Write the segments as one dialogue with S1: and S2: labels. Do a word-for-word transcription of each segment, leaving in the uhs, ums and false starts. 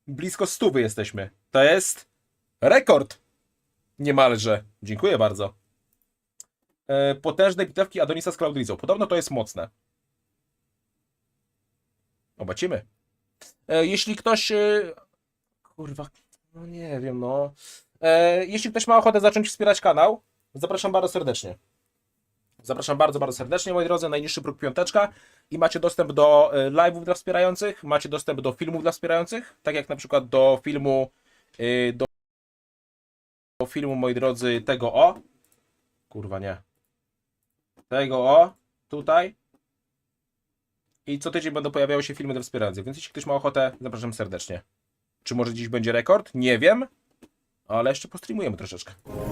S1: blisko stówy jesteśmy. To jest rekord. Niemalże. Dziękuję bardzo. E, potężne bitewki Adonisa z Cloudrizą. Podobno to jest mocne. Zobaczymy. E, jeśli ktoś... E, kurwa, no nie wiem, no. E, jeśli ktoś ma ochotę zacząć wspierać kanał, zapraszam bardzo serdecznie. Zapraszam bardzo, bardzo serdecznie, moi drodzy. Najniższy próg piąteczka i macie dostęp do e, live'ów dla wspierających, macie dostęp do filmów dla wspierających, tak jak na przykład do filmu e, do, do filmu, moi drodzy, tego o. Kurwa, nie. Tego o. Tutaj. I co tydzień będą pojawiały się filmy dla wspierających, więc jeśli ktoś ma ochotę, zapraszam serdecznie. Czy może dziś będzie rekord? Nie wiem, ale jeszcze postreamujemy troszeczkę.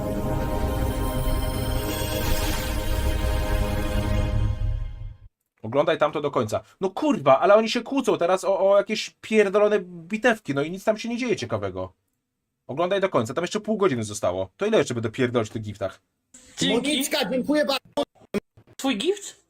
S1: Oglądaj tamto do końca. No kurwa, ale oni się kłócą teraz o, o jakieś pierdolone bitewki, no i nic tam się nie dzieje ciekawego. Oglądaj do końca, tam jeszcze pół godziny zostało. To ile jeszcze będę pierdolić w tych giftach?
S2: Dzięki.
S3: Modlicka, dziękuję bardzo.
S2: Twój gift?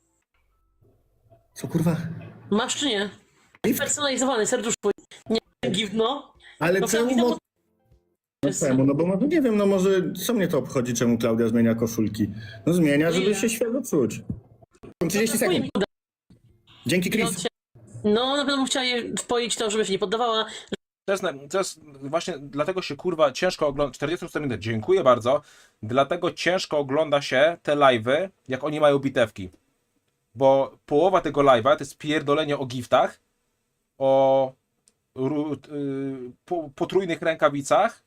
S3: Co kurwa?
S2: Masz czy nie?
S3: Gift?
S2: Personalizowany, serduszko. Nie, gift, no.
S3: Ale
S2: No
S3: czemu?
S2: widzę,
S3: Mo... No czemu? No bo no, nie wiem, no może co mnie to obchodzi, czemu Klaudia zmienia koszulki? No zmienia, żeby
S2: Nie.
S3: się świetnie czuć. trzydzieści sekund. Dzięki Chris.
S2: No, na pewno bym chciała je wpoić to, żeby się nie poddawała.
S1: To jest, na- to jest właśnie dlatego się kurwa ciężko ogląda. czterdzieści minut, dziękuję bardzo. Dlatego ciężko ogląda się te live'y, jak oni mają bitewki. Bo połowa tego live'a to jest pierdolenie o giftach, o ru- y, po, potrójnych rękawicach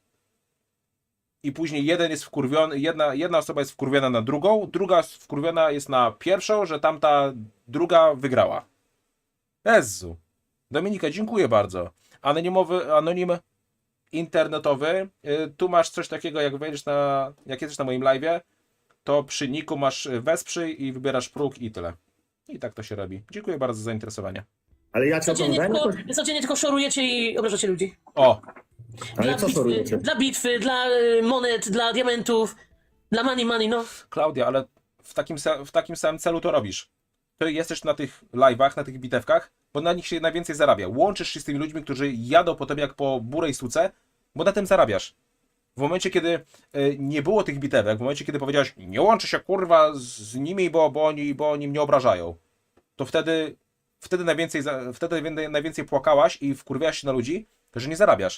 S1: i później jeden jest wkurwiony, jedna, jedna osoba jest wkurwiona na drugą, druga wkurwiona jest na pierwszą, że tamta druga wygrała. Jezu. Dominika, dziękuję bardzo. Anonimowy, anonim internetowy. Y, Tu masz coś takiego, jak wejdziesz na, jak jesteś na moim live'ie, to przy niku masz wesprzyj i wybierasz próg i tyle. I tak to się robi. Dziękuję bardzo za zainteresowanie.
S3: Ale ja cię
S2: Codziennie
S3: oglądałem
S2: tylko,
S3: jakoś...
S2: codziennie tylko szorujecie i obrażacie ludzi.
S1: O,
S3: Ale
S2: Dla
S3: co
S2: bitwy,
S3: szorujecie?
S2: dla bitwy, dla y, monet, dla diamentów, dla money money, no.
S1: Klaudia, ale w takim, sa- w takim samym celu to robisz. Ty jesteś na tych live'ach, na tych bitewkach, bo na nich się najwięcej zarabia. Łączysz się z tymi ludźmi, którzy jadą po tobie jak po burej suce, bo na tym zarabiasz. W momencie, kiedy y, nie było tych bitewek, w momencie, kiedy powiedziałeś, nie łączę się kurwa z, z nimi, bo, bo, oni, bo oni mnie obrażają, to wtedy, wtedy, najwięcej, za- wtedy najwię- najwięcej płakałaś i wkurwiałaś się na ludzi, że nie zarabiasz.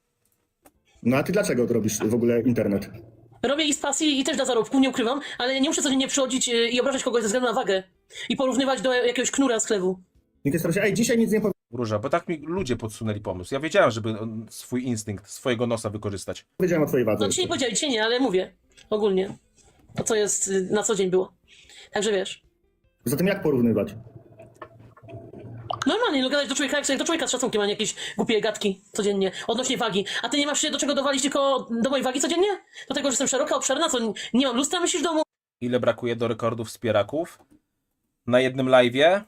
S3: No a ty dlaczego robisz w ogóle internet?
S2: Robię ich z pasji i też dla zarobku, nie ukrywam, ale nie muszę codziennie przychodzić y, i obrażać kogoś ze względu na wagę. I porównywać do jakiegoś knura z chlewu.
S3: Nikt jest proszę, ej, dzisiaj nic nie
S1: Róża, bo tak mi ludzie podsunęli pomysł. Ja wiedziałem, żeby on swój instynkt, swojego nosa wykorzystać.
S3: powiedziałem o twojej wadze.
S2: No dzisiaj nie powiedziałem, dzisiaj nie, ale mówię. Ogólnie. To co jest y, na co dzień było. Także wiesz.
S3: Poza tym jak porównywać?
S2: Normalnie, no gadać do człowieka, jak sobie do człowieka z szacunkiem, a nie jakieś głupie gadki codziennie, odnośnie wagi. A ty nie masz się do czego dowalić, tylko do mojej wagi codziennie? Do tego, że jestem szeroka, obszerna, co nie mam lustra, myślisz w domu?
S1: Ile brakuje do rekordów wspieraków? Na jednym live'ie?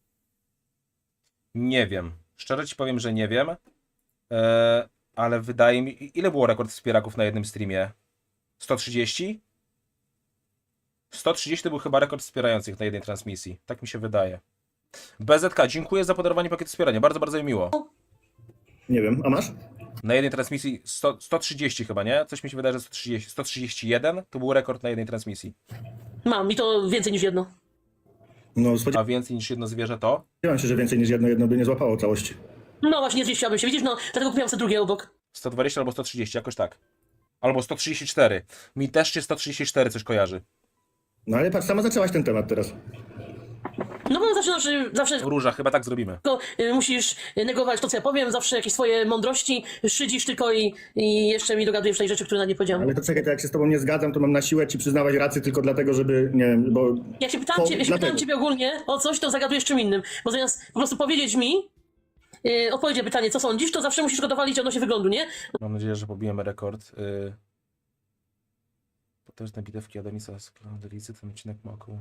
S1: Nie wiem. Szczerze ci powiem, że nie wiem. Eee, ale wydaje mi... Ile było rekord wspieraków na jednym streamie? sto trzydzieści? sto trzydzieści to był chyba rekord wspierających na jednej transmisji. Tak mi się wydaje. B Z K, dziękuję za podarowanie pakietu wspierania. Bardzo, bardzo mi miło.
S3: Nie wiem, a masz?
S1: Na jednej transmisji sto, sto trzydzieści chyba, nie? Coś mi się wydaje, że sto trzydzieści. sto trzydzieści jeden to był rekord na jednej transmisji.
S2: Mam i to więcej niż jedno.
S3: No
S1: A
S3: spodziewałem
S1: więcej niż jedno zwierzę to?
S3: się, że więcej niż jedno jedno by nie złapało całości.
S2: No właśnie, nie zmieściłabym się, widzisz, no dlatego kupiłam sobie drugie obok.
S1: sto dwadzieścia albo sto trzydzieści, jakoś tak. Albo sto trzydzieści cztery. Mi też się sto trzydzieści cztery coś kojarzy.
S3: No ale patrz, sama zaczęłaś ten temat teraz.
S2: No bo zawsze, zawsze, zawsze
S1: Róża, chyba tak zrobimy.
S2: tylko y, musisz negować to, co ja powiem, zawsze jakieś swoje mądrości, szydzisz tylko i, i jeszcze mi dogadujesz tej rzeczy, które na nie powiedziałam.
S3: Ale to czekaj, to jak się z tobą nie zgadzam, to mam na siłę ci przyznawać rację tylko dlatego, żeby, nie wiem, bo...
S2: Jak się pytałam,
S3: To
S2: ciebie, ja się
S3: dlatego.
S2: pytałam ciebie ogólnie o coś, to zagadujesz czym innym. Bo zamiast po prostu powiedzieć mi, yy, odpowiedź na pytanie, co sądzisz, to zawsze musisz go dowalić odnośnie wyglądu, nie?
S1: Mam nadzieję, że pobijemy rekord. Yy... Potężne bitewki Adonisa z Cloudelizy, ten odcinek ma około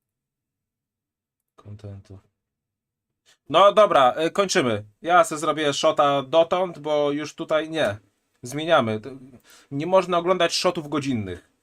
S1: kontentu. No dobra, yy, kończymy. Ja sobie zrobię shota dotąd, bo już tutaj nie. Zmieniamy. To- Nie można oglądać shotów godzinnych.